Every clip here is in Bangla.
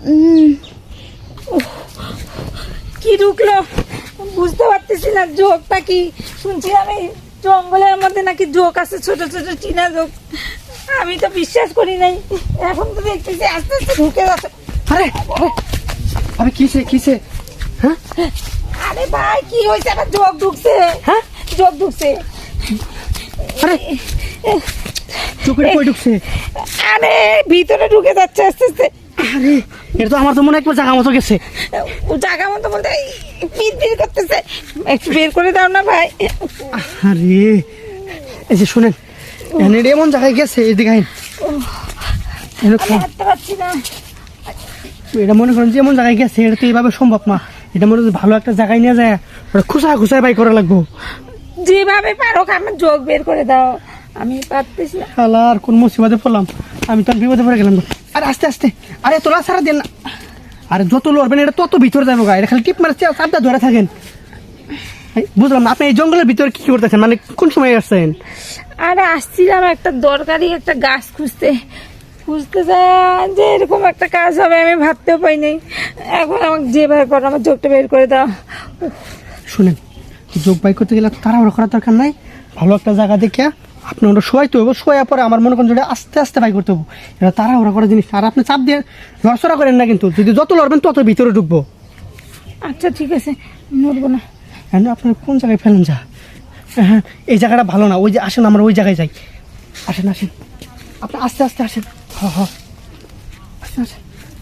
কি ঢুকলো বুঝতে পারতেছি না, জোকটা কি শুনছি আমি জঙ্গলের মধ্যে নাকি জোক আছে, ছোট ছোট টিনা জোক। আমি তো বিশ্বাস করি নাই, এখন তো দেখতেছি আস্তে আস্তে ঢুকে যাচ্ছে। আরে আরে কিসে কিসে? হ্যাঁ আরে ভাই কি হয়েছে, আমার জোক ঢুকছে। হ্যাঁ জোক ঢুকছে। আরে চোখে কই ঢুকছে? আরে ভিতরে ঢুকে যাচ্ছে আস্তে আস্তে। আরে এটা তো আমার তো মনে হয় একবার জায়গা মতো গেছে। ও জায়গা মতো বলতে পিট পিট করতেছে, একটু বের করে দাও না ভাই। আরে এই যে শুনেন, এখানে এমন জায়গায় গেছে, এদিকে আইন। আমি হাঁটতে পারছি না। এটা মনে করেন যে এমন জায়গায় গেছে, এটা তো এইভাবে সম্ভব না। এটা মনে হয় ভালো একটা জায়গায় নিয়ে যায় ওটা খুসায় খুসায় বাই করা লাগবো। যেভাবে পারো আমার জোক বের করে দাও, আমি পারতেছি না। শালা আর কোন মুসিবতে পড়লাম, আমি তো আর বিপদে পড়ে গেলাম। আরে আস্তে আস্তে, আরে তোলা সারা দেন না। আরে যত লড়বেন এটা তত ভিতরে যাবো গা, এটা খালি টিপ মারছে চাপটা ধরে থাকেন। বুঝলাম না, আপনি এই জঙ্গলের ভিতরে কি করতেছেন, মানে কোন সময় আসছেন? আরে আসছিলাম একটা দরকারি একটা গাছ খুঁজতে খুঁজতে যায় যে এরকম একটা কাজ হবে আমি ভাবতেও পাইনি। এখন আমাকে যেভাবে করো আমার জোকটা বের করে দাও। শুনেন, যোগ বাই করতে গেলে তাড়াহুড়ো করার দরকার নাই। ভালো একটা জায়গা দেখে আপনি ওটা শোয়াইতে হবে, শোয়া পরে আমার মনে করেন যেটা আস্তে আস্তে বাই করতে হবে। এটা তাড়াহুড়ো করার জিনিস। আর আপনি চাপ দিয়ে লড়চড়া করেন না, কিন্তু যদি যত লড়বেন তত ভিতরে ঢুকবো। আচ্ছা ঠিক আছে, নড়বো না। হ্যাঁ আপনি কোন জায়গায় ফেলেন যা? হ্যাঁ এই জায়গাটা ভালো না, ওই যে আসেন আমরা ওই জায়গায় যাই। আসেন আসেন, আপনি আস্তে আস্তে আসেন। হ্যাঁ আস্তে আসেন।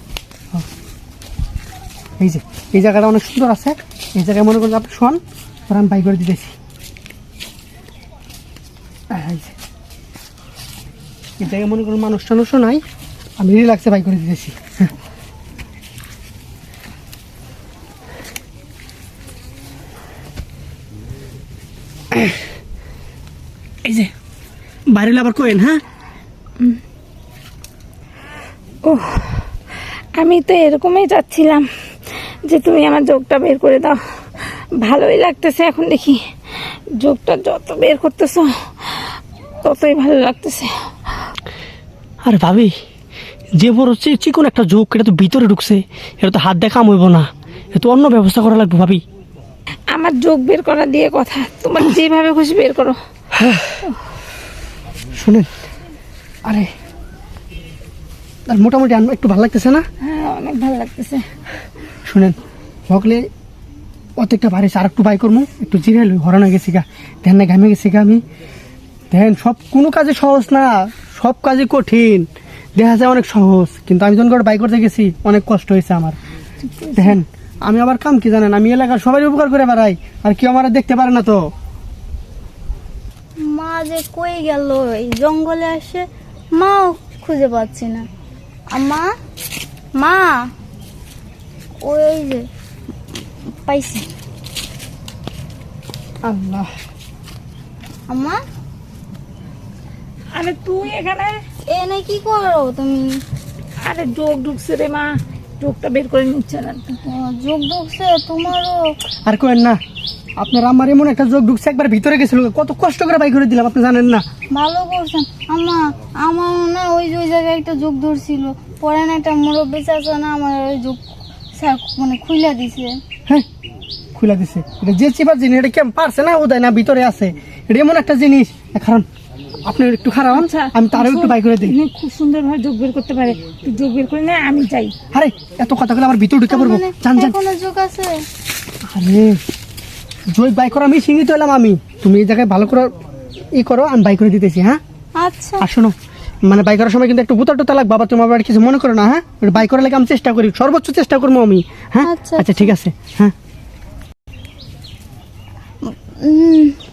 এই যে এই জায়গাটা অনেক সুন্দর আছে, এই জায়গায় মনে করেন আপনি শোন, পরে আমি বাই করে দিতেছি। এই জায়গায় মনে করেন মানুষ টানুষও নাই, আমি রিল্যাক্সে বাই করে দিতেছি। এই যে বাইরে আবার কোয়েন। হ্যাঁ ও আমি তো এরকমই চাচ্ছিলাম যে তুমি আমার জোকটা বের করে দাও, ভালোই লাগতেছে। এখন দেখি জোকটা যত বের করতেছো ততই ভালো লাগতেছে। আরে ভাবি, যে বড় চিকন একটা যোগ, এটা তো ভিতরে ঢুকছে, এটা তো হাত দেখা হইব না, এটা তো অন্য ব্যবস্থা করা লাগবে ভাবি। আমার জোক বের করা দিয়ে কথা, তোমার যেভাবে খুশি বের করো। শুনেন, আরে আর মোটামুটি একটু ভালো লাগতেছে না? হ্যাঁ অনেক ভালো লাগতেছে। শুনেন, সকলে অর্ধেকটা বাড়িছে, আর একটু বাই করবো, একটু জিরে লই, হরানো গেছি গা, ধ্যান না ঘামে গেছি গা আমি। দেখেন সব কোনো কাজে সহজ না, সব কাজে কঠিন। দেখা যায় অনেক সহজ, কিন্তু আমি যখন করে বাই করতে গেছি অনেক কষ্ট হয়েছে আমার। দেখেন আমি আবার কাম কি জানেন, আমি এলাকার সবাই উপকার করে বেড়াই, আর কেউ আমার দেখতে পারে না। তো মা যে কই গেল, এই জঙ্গলে আসে মাও খুঁজে পাচ্ছি না। মা মা ওই যে পাইছি। আল্লাহ, আম্মা আরে তুই এখানে? এনে কি করো তুমি? আরে জোক ঢুকছে রে মা, জোকটা বের করে নিচ্ছে না। যোগ ঢুকছে তোমারও? আর কোয়েন না, আপনার আমার এমন একটা যোগ ঢুকছে, একবার ভিতরে গেছিল, কত কষ্ট করে বাই করে দিলাম, আপনি জানেন না। ভালো করছেন আম্মা। আমার না ওই যে ওই জায়গায় একটা যোগ ধরছিল, পরে না একটা মুরব্বী চাচা না আমার ওই যোগ মানে খুইলা দিছে। হ্যাঁ খুলে দিছে, এটা যে চিপার জিনিস, এটা কেমন পারছে না, ও দেয় না, ভিতরে আছে। এটা এমন একটা জিনিস, কারণ আপনি একটু খারাপ, আমি তারও একটু বাই করে দিই। খুব সুন্দর ভাবে যোগ বের করতে পারে, তুই যোগ বের করে না, আমি যাই। আরে এত কথা বলে আবার ভিতরে ঢুকে পড়বো, জান জান। কোনো যোগ আছে? আরে জয় বাই করা আমি সিঙ্গিত হলাম আমি, তুমি এই জায়গায় ভালো করে ই করো, আমি বাই করে দিতেছি। হ্যাঁ আচ্ছা। আর শোনো, মানে বাই করার সময় কিন্তু একটু বুতা টুতা লাগবে, বাবা তোমার বাড়ি কিছু মনে করো না। হ্যাঁ বাই করার লাগে আমি চেষ্টা করি, সর্বোচ্চ চেষ্টা করবো আমি। হ্যাঁ আচ্ছা, আচ্ছা ঠিক আছে। হ্যাঁ